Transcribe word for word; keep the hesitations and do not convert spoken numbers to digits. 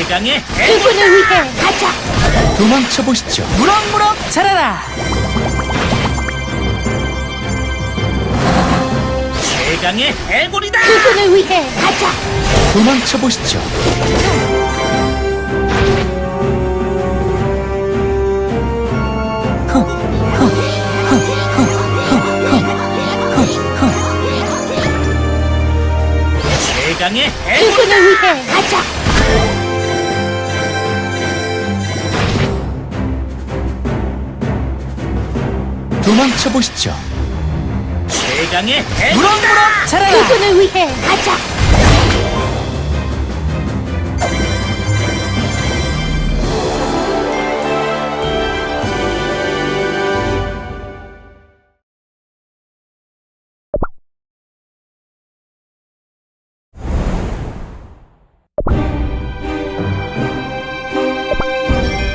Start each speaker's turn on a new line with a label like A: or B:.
A: 최강의
B: 그분을 위해 가자.
C: 도망쳐 보시죠.
A: 무럭무럭 자라라. 최강의 해골이다.
B: 그분을 위해 가자.
C: 도망쳐 보시죠.
A: 최강의 해골.
B: 그분을 위해 가자.
C: 도망쳐 보시죠.
A: 최강의 해골. 무럭무럭 자라라.
B: 그분을 위해 가자.